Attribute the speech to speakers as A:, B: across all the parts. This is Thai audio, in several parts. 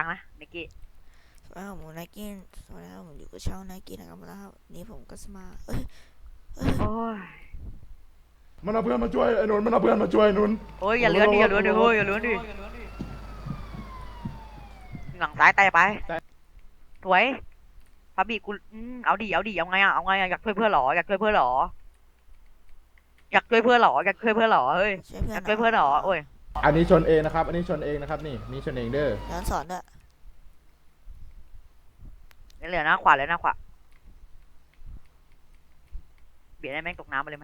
A: นะนิกกี้
B: สวัสดีครับผมไนกี้สวัสดีครับผมอยู่กับช่องไนกี้นะครับแล้วนี่ผมก็มา
A: โอ้ย
C: มันเอาเพื่อนมาช่วยไอ้นนท์มันเอาเพื่อนมาช่วยนนท์
A: โอ้ยอย่าเลื้อนดิอย่าเลื้อนดิเฮ้ยอย่าเลื้อนดิหลังซ้ายแตะไปสวยพาบีกูเอาดิเอาดิเอาไงอ่ะเอาไงอ่ะอยากช่วยเพื่อนหรออยากช่วยเพื่อนหรออยากช่วยเพื่อนหรออยากช่วยเพื่อนหรอเฮ้ย
B: ช่วยเพื่
A: อ
B: อน
A: ยากช่วยเพื่อนหรอโอ้ย
C: อันนี้ชนเองนะครับอันนี้ชนเองนะครับนี่ชนเองเด้อ
B: ย้อนสอนด้วย
A: เหลือหน้าขวาเลยหน้าขวาเบียดให้แม่งตกน้ำไปเลยไหม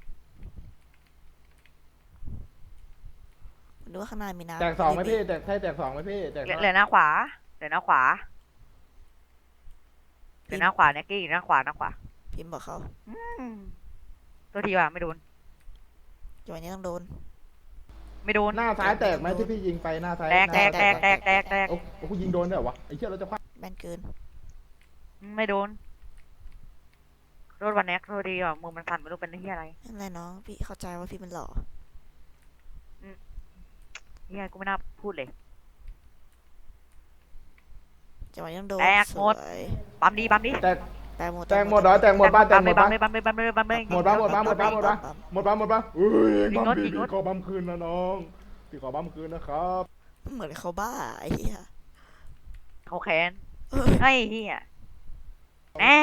B: ดูว่าข้างในมีน้ำ
C: แตกสองไหมพี่แตกสองไหมพี่แตก
A: เหลือหน้าขวาเหลือหน้าขวาเหลือหน้าขวานิกกี้หน้าขวาหน้าขวา
B: พิมพ์บอกเขา
A: อืมตัวทีว่ะไม่โดน
B: จังหวะนี้ต้องโดน
A: ไม่โดน
C: หน้าซ้ายแตกไหมที่พี่ยิงไปหน้าซ้าย
A: แตก
C: โอ้กูยิงโดนด้วยเหรอวะไอ้เชี่ยเราจะพลาด
B: แม่นเกิน
A: ไม่โดนโดนวันแน็กโทษดีอ่ะมือมันสั่นไม่รู้เป็นที่อะไร
B: นั่นแหละน้องพี่เข้าใจว่าพี่เป็นหล่อ
A: เฮียกูไม่น่าพูดเลย
B: จังหวะนี้ต้องโดน
A: แตกหมดปั๊มดี
C: แตก
B: แตกหมด
C: เหรอแตกหมดบ้านแตกหมดบ้าน
A: ปั๊มเลย
C: หมดบ้านอุ้ยบัมพี่ขอบัมคืนนะน้องพี่ขอบัมคืนนะครับ
B: เหมือนเขาบ้าไอ้เหี้ย
A: เขาแค้นไอ้เฮียแน่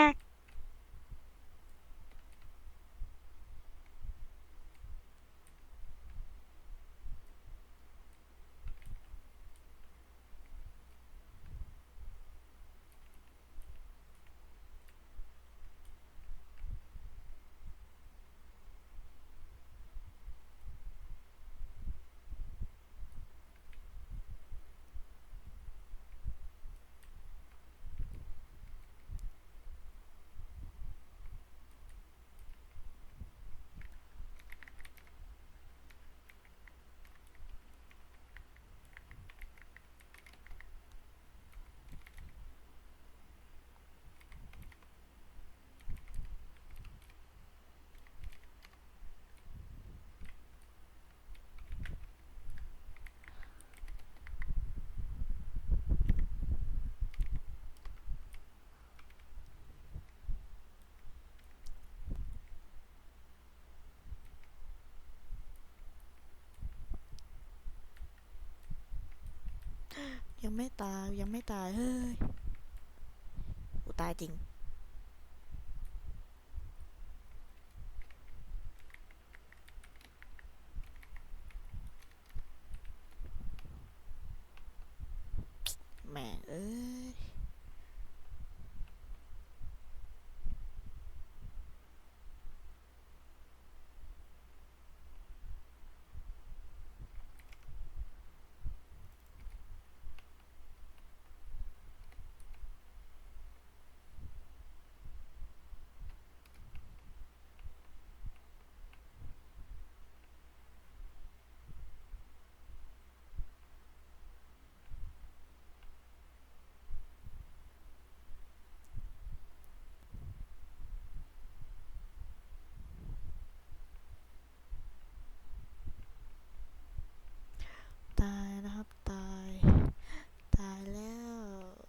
B: ยังไม่ตายยังไม่ตายเฮ้ยกูตายจริงแม่งเอ้ยตายนะครับตายแล้ว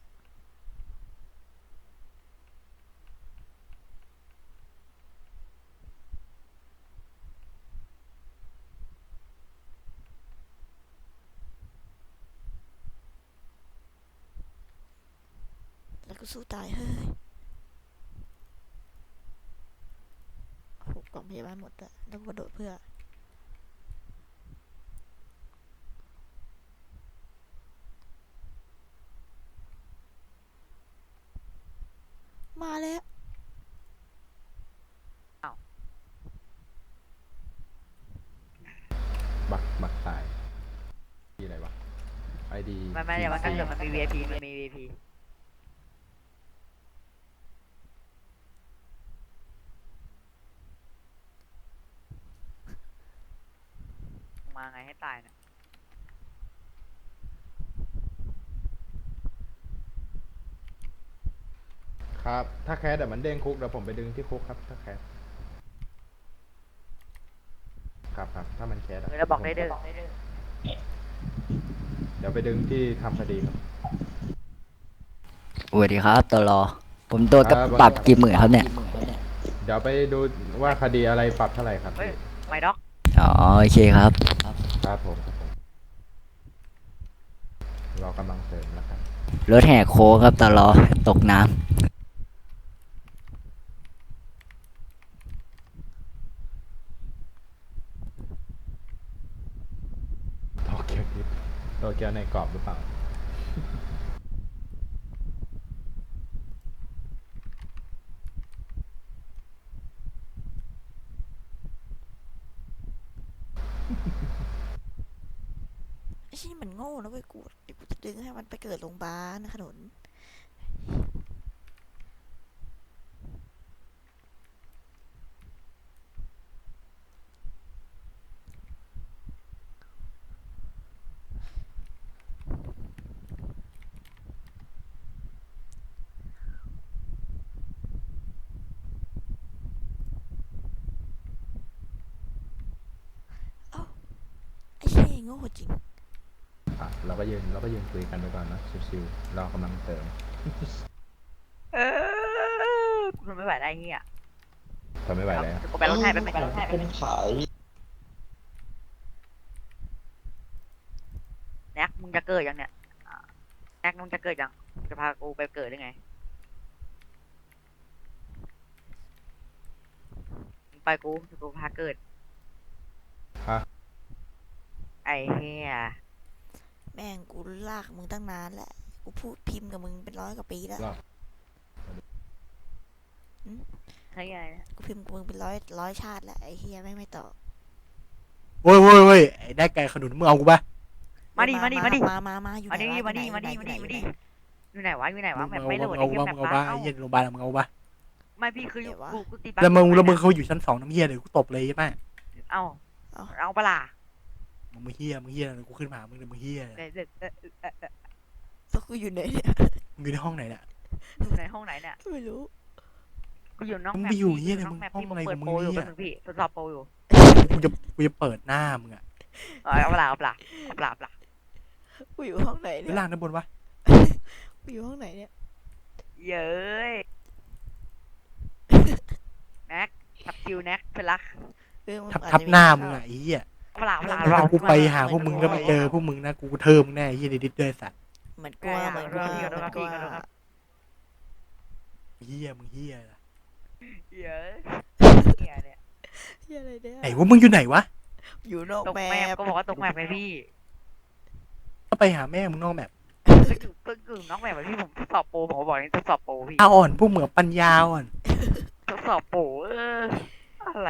B: แล้วก็สู้ตายเฮ้ยโหกล่องพยาบาลหมดอะแล้วกระโดดเพื่อมาแล้ว
C: บักตายที่อะไรวะไอดี
A: ไม่เดี๋ยวมันก็เกิดมันมี VIP มันมี VIP มาไงให้ตายเนี่ย
C: ครับถ้าแคสเดี๋ยวมันเด้งคุกเดี๋ยวผมไปดึงที่คุกครับถ้าแคสครับถ้ามันแคส
A: แล้วบอกได้เด้อ
C: เดี๋ยวไปดึงที่ทำคดีครับ
D: สวัสดีครับตลอผมโดนกับ
C: ครับ
D: ปรับกี่หมื่นครับเนี่ย
C: เดี๋ยวไปดูว่าคดีอะไรปรับเท่าไหร่ครับ
A: เฮ้ยไม่ด็อก
D: อ๋อโอเคครับ
C: ครับผมรอกำลังเสริมแล้วครับ
D: รถแห่โค้งครับตลอตกน้
C: โตเกียวทิปโตเกียวในกรอบหรือเปล่า
B: ไอ้ชี้ยมันโง่นะเว้ยกูเดี๋ยวกูจะดึงให้มันไปเกิดโรงพยาบาลขนุน เอ้าไอ้ชี้ยโง่จริง
C: เราก็ยืนคุยกันไปก่อนนะชิวๆเรากำลังเสริม
A: เออกูทนไม่ไหวได้เฮีย
C: ทนไม่ไหวแล้ว
A: กูไปรถให้ไปรถให้
E: เป็นขาย
A: แน็กมึงจะเกิดยังเนี่ยแน็กมึงจะเกิดยังจะพากูไปเกิดได้ไงมึงไปกูพาเกิด
C: ฮะ
A: ไอ้เฮีย
B: แม่งกูลากมึงตั้งนานแหละกูพูดพิมพ์กับมึงเป็น100 กว่าปีแล้ว
C: รอบ
A: ใช่ไงเนี่ย
B: กูพิมพ์กับมึงเป็นร้อยชาติแล้วไอ้เฮียไม่ตอบ
F: โว้ยโว้ยโว้ยไอ้ได้ไก่ขนุนมึงเอากูปะ
A: มาดิ
B: มาอยู่ไหน
A: มาดิ
B: วะ
A: มาดิ
B: อยู่ไหน
A: มาดิ
B: อยู่
A: มา
B: ไหน
A: ดิ
B: อยู่ไหน
A: อยู่ไหนวะอยู่ไหนวะ
F: มึ
A: แบบ
F: ง
A: ไม่โหลด
F: เอา
A: ไอ้เหี้ย
F: ปะ
A: แบบ
F: มึงเอาปะ
A: เอ้า
F: ไอ้เหี้ยโรงพยาบาลมึงเอาปะ
A: ไม่พี่คือกูตี
F: แล้วมึงเขาอยู่ชั้น2น้ำเหี้ยเลยกูตบเลยใช่ไหม
A: เอ้าเอาปะล่ะ
F: มึงเหี้ยเลยกูขึ้นมาหามึงเลยมึงเหี้ย
B: แล้วกูอยู่ไหนเนี่ย
F: มึงอยู่ในห้องไหนเนี่ย
A: อยู่ในห้องไหนเนี่ย
B: ไม่รู้
A: กูอยู่น้อง
F: มึง
A: แม
F: ไป
A: ป
F: อยู่เหี้ย
A: น้
F: เลย
A: อง
F: มึง
A: แมป
F: ห้อง
A: ที่
F: อะไร
A: เปิ
F: ขอ
A: ด
F: งมึง
A: โปรอยู่
F: เนี่
A: แป๊บ
F: ย
A: นึงพี่ทดสอบโปรอยู่
F: กูจะเปิดหน้ามึงอะ
A: เอาปะล่ะเอาปะล่ะเอาปะล่ะเอาปะล่ะ
B: กูอยู่ห้องไหน
F: ไป
B: เนี่ย
F: ล่างด้านบนวะ
B: กูอยู่ห้องไหนเนี่ย
A: เย้ยแน็กทับคิวแน็กเพื่อนรัก
B: มึง
F: ทับ
B: อจ
F: ทับ
B: จะมี
F: หน้า
B: ข้ว
F: มึงอะไอ้เหี้ย
A: เอาปะล่ะเอาปะล่ะ
F: ถ้า
A: เรา
F: กูไปหาพวกมึงแล้วมาเจอพวกมึงนะกูเทิมแน่ไอ้เหี้ยดิดด้วยสัตว์
B: เหมือนกลัวเหมือนกลัวเหมือนกลัว
F: เหี้ยมึงเหี้ย
A: เย้ยเนี่ยเนี่ย
B: เฮียอะไรเนี่ย
F: ไหนว่ามึงอยู่ไหนวะ
B: อยู่นอก
A: ตก
B: แม
A: แมป
B: ป
A: ก็บอกว่าตกแมปไงพี่
F: ก็ไปหาแม่มึงนอกแบบ
A: ก็อยู่น้องแมปพี่ผมทดสอบโปรผมก็บอกนี่ทดสอบโปรพี่
F: ตาอ่อนพวกเหมือปัญญาอ่อน
A: ทดสอบโปรอะไร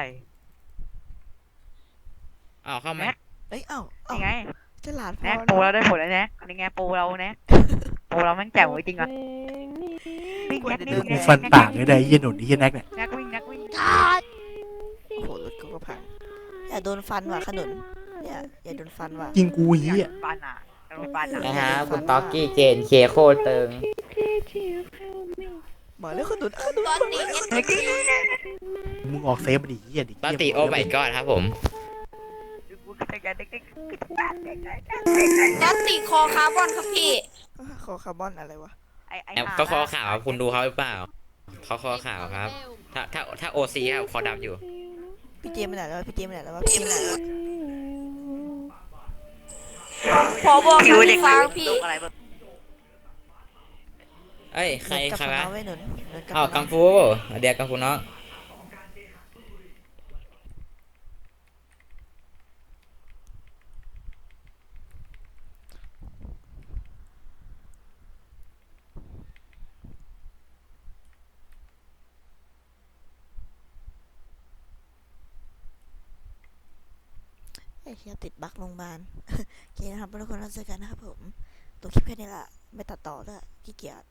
E: อ้าวเข้ามา
B: เอ้ยเอ้า
A: นี่ไง
B: ฉลาดพ
A: แน็
B: อก
A: โปรเราได้ผลแล้วแน็กนี่ไงโปรเราแน็กโปรเราแม่งแจ๋วจริงอ่ะวิ่งแน็กนี่วิ่ง
F: มึ
A: แน็
F: ง
A: ก
F: ฟันปากเลยได้ไอ้เหี้ยหนุนไอ้เหี้ยแน็กเนี่ย
A: แน็กวิ่งแน็กวิ่ง
B: โอ้โหรถกูก็พังอย่าโดนฟันว่ะขนุนอย่าโดนฟันว่ะ
F: ยิงกูไอ้เหี้ย
A: ปานอ่ะโดนปานอ่ะ
E: นะฮะคุณต็อกกี้เจนเคโคตรตึง
B: มาแล้วขนุนขนุน
F: มึงออกเซฟมาดิเหี้ยดิ
E: ปาติโอไมกอดครับผม
G: ยัตติคอคาร์บอนครับพี่
B: คอคาร์บอนอะไรวะ
E: แอปเขาคอขาวคุณดูเขาหรือเปล่าเขาคอขาวครับ ถ้าโอซีครับคอดำอยู่
B: พี่เจมส์ไปไหนแล้ววะพี่เจมส์ไปไหนแล้ววะพี่เจมส์ไปไหนแล้ววะ
G: พอบอก
A: คิวเด็ก
G: ฟังพี่
A: อะไรแบบ
E: เอ้ยใคร
B: กับ
E: ใครวะ
B: น้องไว้หนุนหนุนกับ
E: อ้าว
B: น้
E: กั
B: อง
E: งฟูเดี๋ยวกังฟูน้อง
B: ไอ้เหี้ยติดบั๊กโรงพยาบาล โอเคนะครับทุกคนเราเจอกันนะครับผมตัวคลิปแค่นี้ละไม่ตัดต่อด้วยขี้เกียจ